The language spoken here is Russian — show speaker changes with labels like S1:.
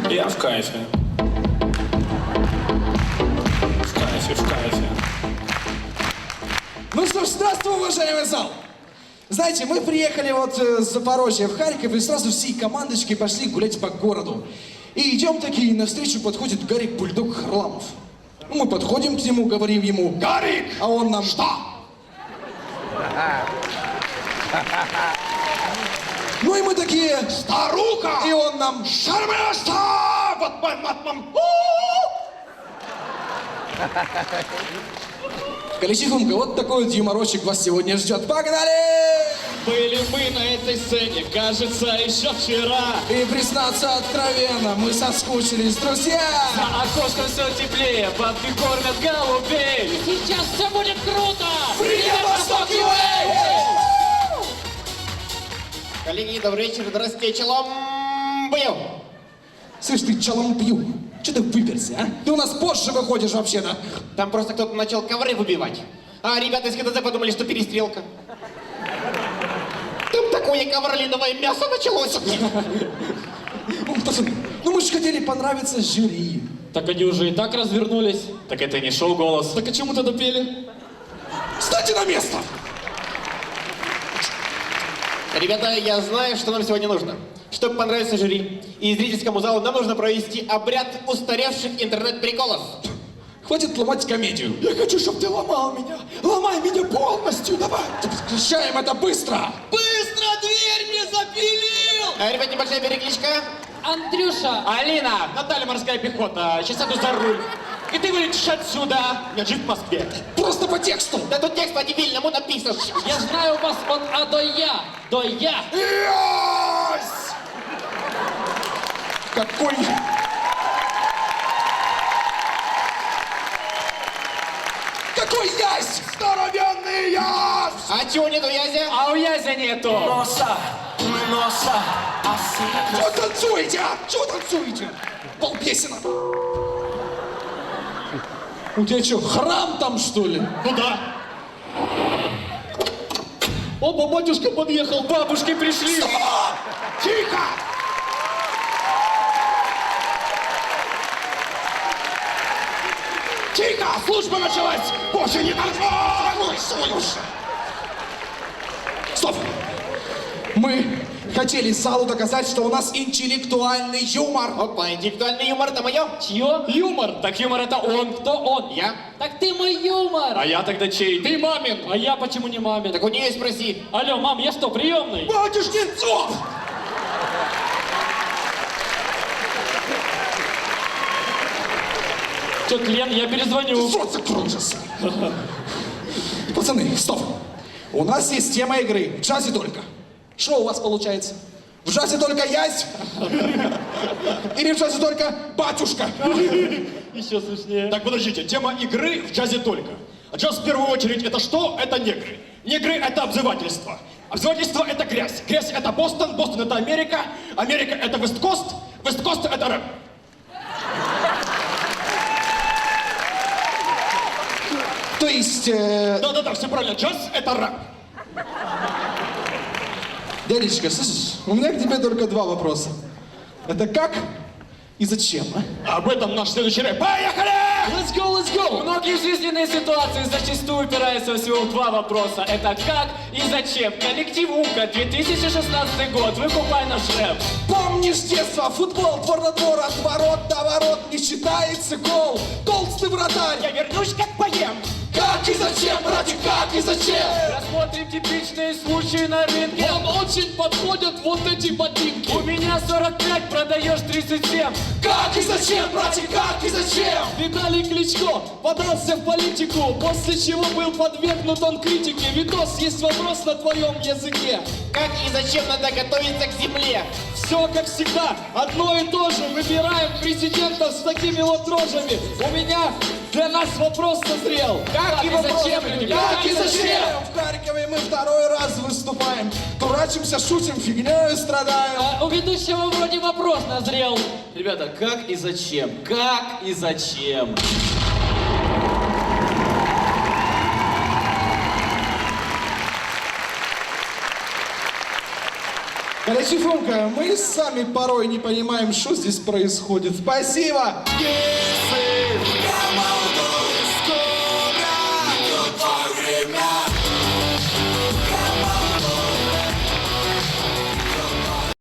S1: Я в кайфе. В кайфе, в кайфе.
S2: Ну что ж, здравствуй, уважаемый зал! Знаете, мы приехали вот с Запорожья в Харьков и сразу всей командочкой пошли гулять по городу. И идем такие, навстречу подходит Гарик Бульдог Харламов. Ну, мы подходим к нему, говорим ему: «Гарик!» А он нам: «Что?» Ну и мы такие: «Старуха!» И он нам: «Шармаста!» Вот Каличихумка, вот такой вот юморочек вас сегодня ждет. Погнали!
S3: Были мы на этой сцене, кажется, еще вчера.
S2: И признаться откровенно, мы соскучились, друзья!
S3: За окошком все теплее, бабки кормят голубей. Сейчас все будет круто!
S2: Привет, Восток ЮА!
S4: Коллеги, добрый вечер, здравствуйте, челом бью.
S2: Слышь, ты чалом пью. Че ты выперся, а? Ты у нас позже выходишь вообще-то.
S4: Там просто кто-то начал ковры выбивать. А ребята из ХТЗ подумали, что перестрелка. Там такое ковролиновое мясо началось.
S2: Ну, пацаны, ну мы же хотели понравиться жюри.
S3: Так они уже и так развернулись.
S1: Так это не шоу «Голос».
S3: Так о чем мы тогда пели?
S2: Встаньте на место!
S4: Ребята, я знаю, что нам сегодня нужно. Чтобы понравиться жюри и зрительскому залу, нам нужно провести обряд устаревших интернет-приколов.
S2: Хватит ломать комедию.
S5: Я хочу, чтобы ты ломал меня. Ломай меня полностью, давай.
S2: Прекращаем это быстро!
S3: Быстро дверь мне запилил!
S4: Ребят, небольшая перекличка.
S3: Андрюша!
S4: Алина, Наталья морская пехота, сейчас сяду за руль. И ты вылетишь отсюда. Я жив в Москве.
S2: Просто по тексту!
S4: Да тут текст по-дебильному написан.
S3: Я знаю у вас от А до Я. До Я.
S2: Ясь! Какой... Какой ясь! Здоровенный ясь!
S4: А чего нету Язя?
S3: А у Язя нету.
S5: Носа,
S2: Чего танцуете, а? Чего танцуете? Полпесенок. У тебя что, храм там, что ли?
S3: Ну да. Оба, батюшка подъехал, бабушки пришли.
S2: Стоп! Тихо! Тихо! Служба началась! Боже, не нормально! Стоп! Мы хотели залу доказать, что у нас интеллектуальный юмор.
S4: Опа, интеллектуальный юмор, это мое.
S3: Чье? Юмор. Так юмор это он. Кто он?
S4: Я.
S3: Так ты мой юмор.
S1: А я тогда чей?
S3: Ты мамин. А я почему не мамин?
S4: Так у нее спроси.
S3: Алло, мам, я что, приемный?
S2: Батюшкинцов!
S3: Че, Лен, я перезвоню.
S2: Рот закрой же, сын. Пацаны, стоп. У нас есть тема игры. В джазе только. Что у вас получается? В джазе только ясь? Или в джазе только батюшка?
S3: Еще смешнее.
S6: Так, подождите, тема игры в джазе только. А джаз в первую очередь это что? Это негры. Негры это обзывательство. Обзывательство это грязь. Грязь это Бостон, Бостон это Америка, Америка это Вест-Кост, Вест-Кост это рэп.
S2: То есть,
S6: Да-да-да, все правильно, джаз это рэп.
S2: дядечка, слышишь, у меня к тебе только два вопроса. Это как и зачем, а?
S6: Об этом наш следующий рэп. Поехали!
S3: Let's go, let's go! Многие жизненные ситуации зачастую упираются всего в два вопроса. Это как и зачем. Коллектив УКа, 2016 год. Выкупай наш рэп.
S2: Помнишь детство, футбол, двор на двор, от ворот до ворот, не считается гол. Толстый вратарь.
S4: Я вернусь, как поем.
S2: Как и зачем, братик, как и зачем?
S3: Рассмотрим типичные случаи на рынке. Вам очень подходят вот эти ботинки. У меня 45, продаешь 37.
S2: Как и зачем, братик, как и зачем?
S3: Виталий Кличко подался в политику, после чего был подвергнут он критике. Витос, есть вопрос на твоем языке.
S4: Как и зачем надо готовиться к земле?
S3: Все как всегда, одно и то же. Выбираем президента с такими вот рожами. У меня для нас вопрос созрел. Как и зачем, люди?
S2: Как и зачем? В Харькове мы второй раз выступаем. Дурачимся, шутим, фигнёй страдаем.
S3: А у ведущего вроде вопрос назрел.
S7: Ребята, как и зачем? Как и зачем?
S2: Короче, Фомка, мы сами порой не понимаем, что здесь происходит. Спасибо!
S5: Come on.